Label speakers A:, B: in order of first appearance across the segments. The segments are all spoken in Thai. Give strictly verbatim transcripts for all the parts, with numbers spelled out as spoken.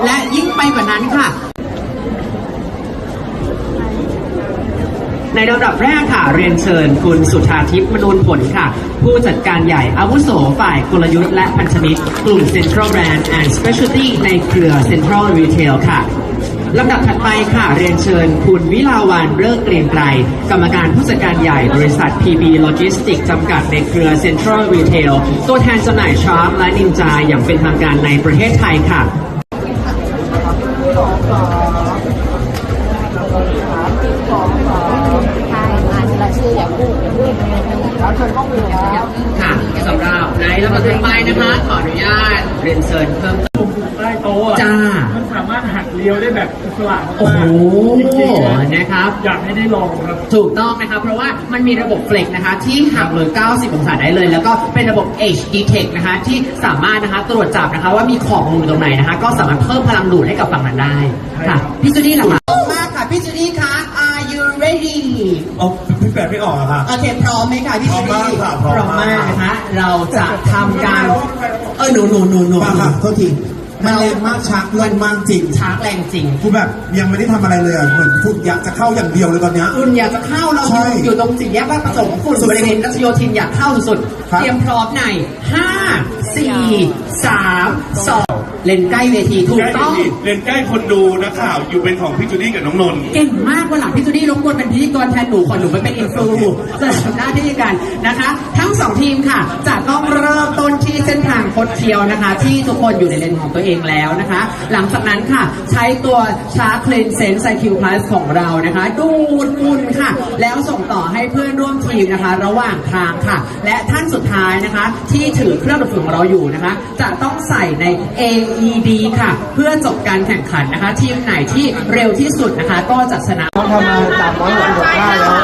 A: และยิ่งไปกว่านั้นค่ะในลำดับแรกค่ะเรียนเชิญคุณสุธาทิพย์มนูนผลค่ะผู้จัดการใหญ่อาวุโสฝ่ายกลยุทธ์และพันธมิตรกลุ่ม Central Brand and Specialty ในเครือ Central Retail ค่ะลำดับถัดไปค่ะเรียนเชิญคุณวิลาวันเลิกเกรียงไกรกรรมการผู้จัดการใหญ่บริษัท พี บี Logistics จำกัดในเครือ Central Retail ตัวแทนจำหน่ายชาร์ปและนินจาอย่างเป็นทางการในประเทศไทยค่ะค่ะสำหรับในลำดับต่อไปนะคะขออนุญาตเรียนเชิญเพิ่มเติม
B: ใต้โต๊ะจ้ามันสามารถหักเลี้ยวได้แบบอิสระมากๆ
A: โอ้โหนะครับ
B: อยากให้ได้ลองครับ
A: ถูกต้องนะครับเพราะว่ามันมีระบบเฟล็กนะคะที่หักเลยเก้าสิบองศาได้เลยแล้วก็เป็นระบบ Edge Detect นะคะที่สามารถนะคะตรวจจับนะคะว่ามีของมุมตรงไหนนะคะก็สามารถเพิ่มพลังดูดให้กับฝั่งนั้นได้ค่ะพี่จูดี้ล่ะคะมากค่ะพี่จูดี้คะ Are you ready
C: อ๋อพี่แปดไม่ออกอะค่ะ
A: โอเคพร้อมไหมคะพี่จูดี้พร้อมมากนะคะเราจะทำการเออหนูหนูหนูหนู
C: ค่ะโทษทีมันแรงมากชักแรงมากจริง
A: ชักแรงจริง
C: คือแบบยังไม่ได้ทำอะไรเลยเหมือนคุณอยากจะเข้าอย่างเดียวเลยตอนนี้
A: คุณอยากจะเข้าเราอยู่ตรงสี่แยกบ้านประสงค์ฝุ่นบริเวณรัชโยธินอยากเข้าสุดเตรียมพร้อมในห้าสี่สามสองเล่นใกล้เวทีถูกต้อง
D: เล่นใกล้คนดูนักข่าวอยู่เป็นของพี่จูดี้กับน้องนนท์
A: เก่งมากวันหลังพี่จูดี้รบกวนเป็นพิธีกรแทนหนูขอหนูไปเป็นอินฟลูจะทำหน้าที่กันนะคะทั้งสองทีมค่ะจะต้องเริ่มต้นที่เส้นทางคดเคี้ยวนะคะที่ทุกคนอยู่ในเลนของตัวเองแล้วนะคะหลังจากนั้นค่ะใช้ตัวชาร์คเลนเซนไซคิวพลัสของเรานะคะดูดฝุ่นค่ะแล้วส่งต่อให้เพื่อนร่วมทีมนะคะระหว่างทางค่ะและท่านสุดท้ายนะคะที่ถือเครื่องดูดฝุ่นของเราอยู่นะคะจะต้องใส่ใน เอ อี ดี ค่ะเพื่อจบการแข่งขันนะคะทีมไหนที่เร็วที่สุดนะคะก็จะชนะ
C: ทำมาสามร้อยหกสิบหกท่าแล้ว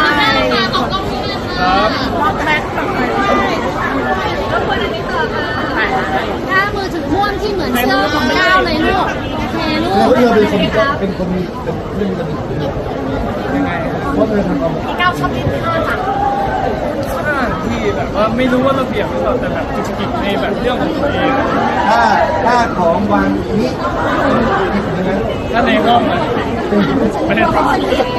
E: ถ้ามือถือม่วงที่เหมือนเสื้อของก้าวเลยลูกโอเคลูก
C: แล้วเธอเป็นคนเป็นคนเป็นเรื่องกันยังไงเพราะเธอทำเอา
E: พี่ก้าวชอบเล่นท่าค่ะ
B: ท่าที่แบบว่าไม่รู้ว่าระเบียบหรือเปล่าแต่แบบจุกจิกในแบบเรื่องของตัวเอง
C: ท่าท่าของวางนี้
B: ถ้าในห้องมันไม่ได้